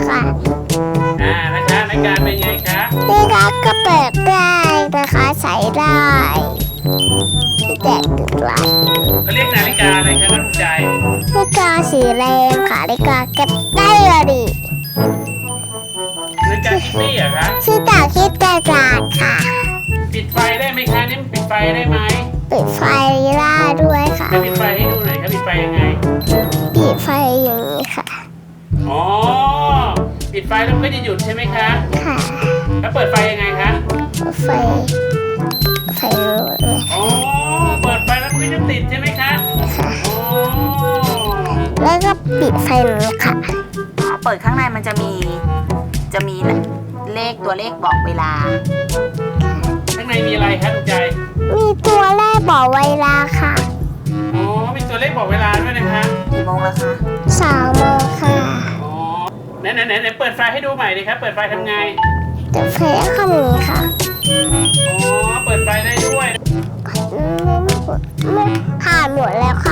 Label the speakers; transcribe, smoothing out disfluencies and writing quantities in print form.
Speaker 1: ค่ะ
Speaker 2: นะคะในการเป็นไงคะ
Speaker 1: นี่ค่ะก็เปิดได้นะคะใส่ได้ที่แตกตึกหลาย
Speaker 2: เขาเรียกนาฬิกาอะไรคะน้องใจ
Speaker 1: นาฬิกาสีแดงค่ะนาฬิกาเก็บได้เลยดิ
Speaker 2: นาฬิกาคิตตี้เหรอคะ
Speaker 1: ชื่อจากคิดกระดาษค่ะ
Speaker 2: ปิดไฟได้ไหมคะนี่ปิดไฟได้ไหม
Speaker 1: ปิดไฟได้ด้วยค่ะ
Speaker 2: ปิดไฟให้ดูหน่อยครับปิดไฟยังไง
Speaker 1: ปิดไฟอย่างนี้ค่ะ
Speaker 2: อ๋อปิดไฟแล้วก็จะหยุดใช่ไหมคะ
Speaker 1: ค่ะ
Speaker 2: แล้วเปิดไฟยังไงคะ
Speaker 1: ไฟรู้เลย
Speaker 2: อ๋อเปิดไฟแล้วมันก็จะติดใช่ไหมคะ
Speaker 1: ค่ะ
Speaker 2: อ๋อ
Speaker 1: แล้วก็ปิดไฟนี้ค่ะ
Speaker 3: เปิดข้างในมันจะมีเลขตัวเลขบอกเวลา
Speaker 2: ข้างในมีอะไรคะทุกใจ
Speaker 1: มีตัวเลขบอกเวลาค่ะ
Speaker 2: อ๋อมีตัวเลขบอกเวลาด้วยนะคะ
Speaker 3: กี่โมงแล้วคะ
Speaker 1: 3 โมงค่ะ
Speaker 2: อ๋อไหนเปิดไฟให้ดูใหม่ดิครับเปิดไฟทำไง
Speaker 1: แต่ไฟข้างนี้ค่ะ
Speaker 2: อ๋อเปิดไฟได้ด้วย
Speaker 1: ไม่ผ่านหมดแล้วค่ะ